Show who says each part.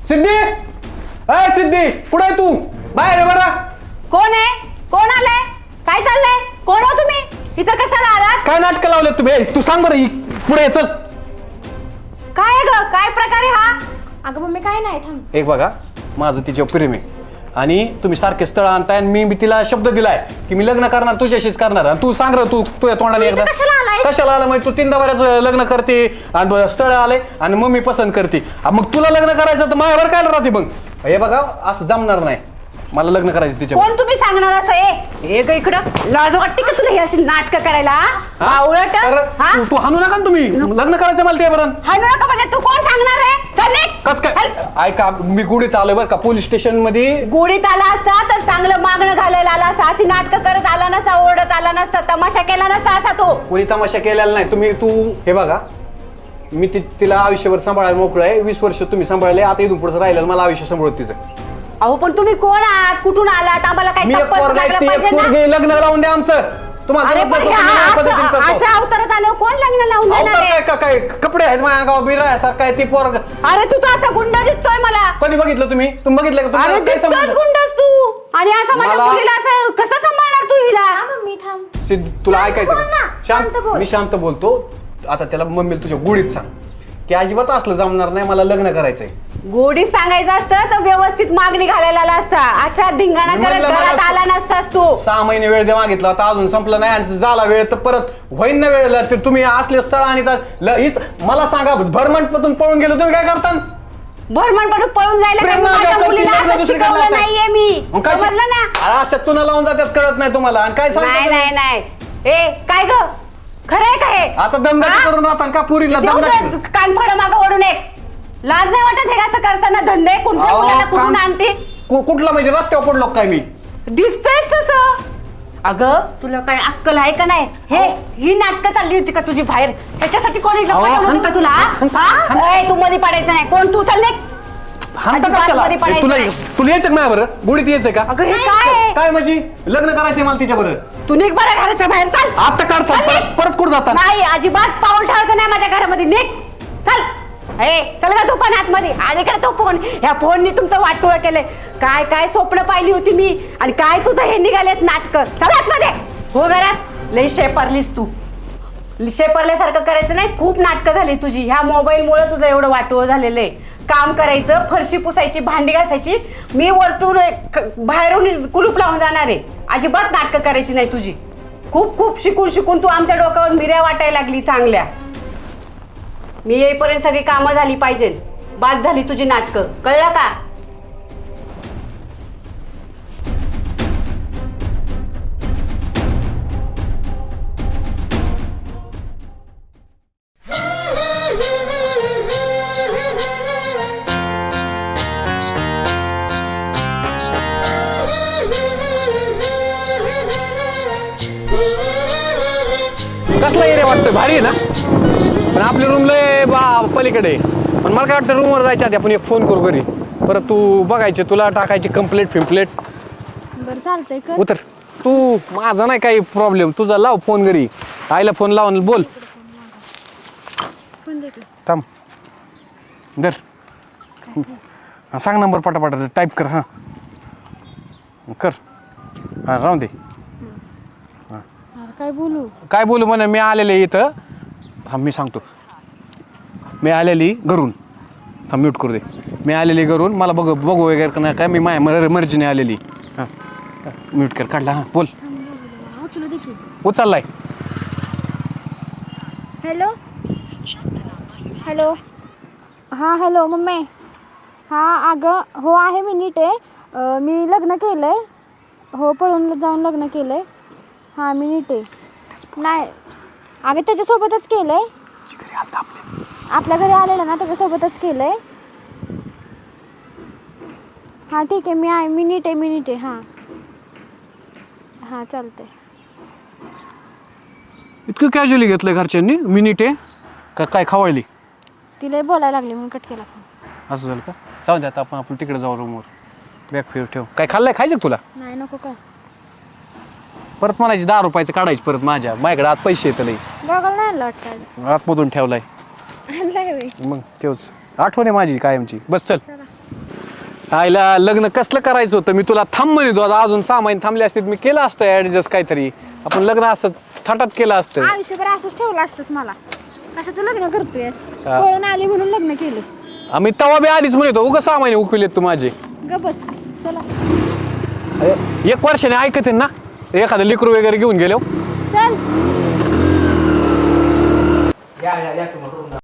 Speaker 1: सिद्धी, अय सिद्धी, कुठे आहे तू? बाहेर आहे बरं.
Speaker 2: कोण आहे? कोण आलंय? काय चाललंय? कोण हो तुम्ही? इथं कशाला आलात?
Speaker 1: काय नाटक लावले तुम्ही? तू सांग बरं, पुढे चल.
Speaker 2: काय ग? काय प्रकार आहे हा?
Speaker 3: अगं मम्मी काय नाही थांब.
Speaker 1: एक बघा, माझं तिच्यावर प्रेम आहे आणि तुम्ही सारखे स्थळ आणताय आणि मी तिला शब्द दिलाय की मी लग्न करणार, तुझ्याशीच करणार. आणि तू सांग तू तुझ्या तोंडाने एकदा कशाला आला? म्हणजे तू 3दा बऱ्याच लग्न करते आणि स्थळ आले आणि मम्मी पसंत करते. मग तुला लग्न करायचं तर माझ्यावर काय राहते? मग हे बघा, असं जमणार नाही. मला लग्न करायचं तिच्या.
Speaker 2: कोण तुम्ही सांगणार असं? ए ग इकडं, लाज वाटते का तुला हे अशी नाटकं करायला? आवळट.
Speaker 1: तू हाणू नका ना, तुम्ही लग्न करायचं मला ते बरं.
Speaker 2: हाणू नका म्हणजे तू कोण सांगणार आहे? चल निघ.
Speaker 1: कस काय? ऐका, मी गुढीत आलोय बरं का, पोलीस स्टेशन मध्ये.
Speaker 2: गुढीत आला असता तर चांगलं मागणं घालायला आला असता, अशी नाटकं करत आला नसता, ओरडत आला नसता, तमाशा केला नसता असा तो.
Speaker 1: कोणी तमाशा केलेला नाही. तू हे बघा, मी तिला आयुष्यभर सांभाळायला मोकळं आहे. 20 वर्ष तुम्ही सांभाळले, आता इथून पुढचं राहिलं मला आयुष्य सांभाळत तिचं.
Speaker 2: अहो पण तुम्ही कोण आहात? कुठून आलात? आम्हाला काही
Speaker 1: लग्न लावून द्या आमचं. तुम्हाला
Speaker 2: अशा अवतारात आलो कोण लग्न लावून देणार?
Speaker 1: काय कपडे आहेत माझ्या गाव बिरासारखं आहे ती पोरग.
Speaker 2: अरे तू तर असा गुंड दिसतोय मला.
Speaker 1: कधी बघितलं तुम्ही? बघितलं का?
Speaker 2: अरे दिसतोच गुंडस तू. आणि असं माझ्या मुलीला असं कसं सांभाळणार तू हिला?
Speaker 3: मम्मी थांब.
Speaker 1: सिद्ध, तुला ऐकायचं
Speaker 3: बोल ना, शांत बोल.
Speaker 1: मी शांत बोलतो. आता त्याला मम्मीला तुझ्या गुढीत सांग की अजिबात असलं जमणार नाही, मला लग्न करायचंय.
Speaker 2: गोडी सांगायचं असतं तर व्यवस्थित मागणी घालायला आला असता. अशा धिंगाणा करत घरात आला नसतास तू.
Speaker 1: 6 महिने वेळ दे मागितला होता, अजून संपलं नाही. आणि झाला वेळ तर परत होईन ना वेळ. तर तुम्ही असले स्थळ आणि मला सांगा, भरमंडपातून पळून गेलो तुम्ही काय करता?
Speaker 2: भरमंडपातून पळून जायला माझ्या मुलीला आता शिकवलं नाहीये मी. समजलं ना?
Speaker 1: अशा चुना लावून जातात, कळत नाही तुम्हाला. आणि काय सांगता?
Speaker 2: नाही ए काय ग, खरंय का हे?
Speaker 1: आता दमदाटी करून राहता का पुरीला?
Speaker 2: कानफड मागं ओढून एक लाज नाही वाटत हे असं करताना? धंदे कुठच्या मुलाला कुठून आणते?
Speaker 1: कुठला म्हणजे रस्त्यावर पडलो काय मी?
Speaker 2: दिसतोयच तसं. अगं तुला काय अक्कल आहे का नाही? ही नाटकं चालली होती का तुझी बाहेर? त्याच्यासाठी कोणी पाठवलं का तुला? तू मध्ये पडायचं नाही. कोण तू? चल
Speaker 1: तुला यायचं नाही बरं? गुढीत यायचंय का?
Speaker 2: अगं हे काय
Speaker 1: काय म्हणजे लग्न करायचंय मला तिच्या बरं?
Speaker 2: तू निघ बरं घराच्या बाहेर. चल
Speaker 1: आता काढता परत कुठं जाता?
Speaker 2: नाही अजिबात पाऊल ठेवायचं नाही माझ्या घरामध्ये. निघ चल. चल का तू पण आतमध्ये. आणि इकडे तो फोन, ह्या फोननी तुमचं वाटोळं केलंय. काय काय स्वप्न पाहिली होती मी आणि काय तुझं हे निघालेत नाटकं. चल आतमध्ये. हो घरात. लई शेपरलीस तू. शेपरल्यासारखं करायचं नाही. खूप नाटकं झाली तुझी. ह्या मोबाईलमुळे तुझं एवढं वाटोळं झालेलं आहे. काम करायचं, फरशी पुसायची, भांडी घासायची. मी वरतून बाहेरून कुलूप लावून जाणार आहे. अजिबात नाटकं करायची नाही तुझी. खूप खूप शिकून तू आमच्या डोक्यावर मिऱ्या वाटायला लागली चांगल्या. मी येईपर्यंत सगळी कामं झाली पाहिजे. बाद झाली तुझी नाटकं, कळलं का?
Speaker 1: कसला एरिया वाटतोय? भारी आहे ना? पण आपली रूम लय पलीकडे. पण मला काय वाटतं, रूमवर जायच्या आधी आपण एक फोन करू घरी. परत तू बघायचे, तुला टाकायची कंप्लेंट फिम्प्लेट.
Speaker 3: बरं चालतंय कर.
Speaker 1: उतर तू. माझा नाही काही प्रॉब्लेम. तुझा लाव फोन घरी. आईला फोन लावून बोल. थांब दर. सांग नंबर पटापटा टाईप कर. हां कर. हां राहून दे. काय बोलू म्हणे? मी आलेले इथं. थांब मी सांगतो. मी आलेली घरून. थांब म्यूट करू दे. मी आलेली घरून. मला बघू वगैरे का नाही काय? मी माझ्या मर्जीने आलेली. हां म्यूट कर. काढला. हां बोल. उचललाय.
Speaker 3: Hello hello. हां हॅलो मम्मी. हां अगं हो आहे, मी नीट आहे. मी लग्न केलं आहे. हो पळून जाऊन लग्न केलं आहे. हां मी नीट आहे. नाही अगं त्याच्यासोबतच केलं आहे. आपल्या घरी आलेलं ना, त्याच्यासोबतच केलं आहे. हां ठीक आहे. मी नीट आहे. हां चालतंय.
Speaker 1: इतकं कॅज्युअली घेतलं घरच्यांनी? मिनिट आहे का काय खवळली?
Speaker 3: तिला बोलायला लागली म्हणून कट केला फोन.
Speaker 1: असं झालं का? जाऊ द्यायचं आपण तिकडे जाऊ रूमवर. बॅग फिर ठेव. काय खाल्लंय? खायचं तुला?
Speaker 3: नाही नको. काय
Speaker 1: परत म्हणायची 10 रुपयाचं काढायची परत. माझ्याकडे आत पैसे येत नाही.
Speaker 3: गॉगल नाही आणला वाटतं आज.
Speaker 1: आतमधून ठेवलाय.
Speaker 3: आणलाय
Speaker 1: मग तेच आठवण आहे माझी कायमची. बस चल. आईला लग्न कसलं करायचं होतं, मी तुला थांब म्हणतो. आता अजून 6 महिने थांबले असते मी केलं असतं ऍडजस्ट काहीतरी. आपण लग्न असतं थाटात केलं असतं.
Speaker 3: आयुष्यभर असंच ठेवलं असतंस मला. कशाचं लग्न करतोयस? पळून आली म्हणून लग्न केलंस.
Speaker 1: आम्ही तवा बी आधीच म्हणतो उगा 6 महिने उकविलेत तू माझे.
Speaker 3: ग बस चला.
Speaker 1: अरे, 1 वर्षाने ऐकते ना एखादं लिकरू वगैरे घेऊन गेलो.
Speaker 3: चल.
Speaker 4: या तुम्हाला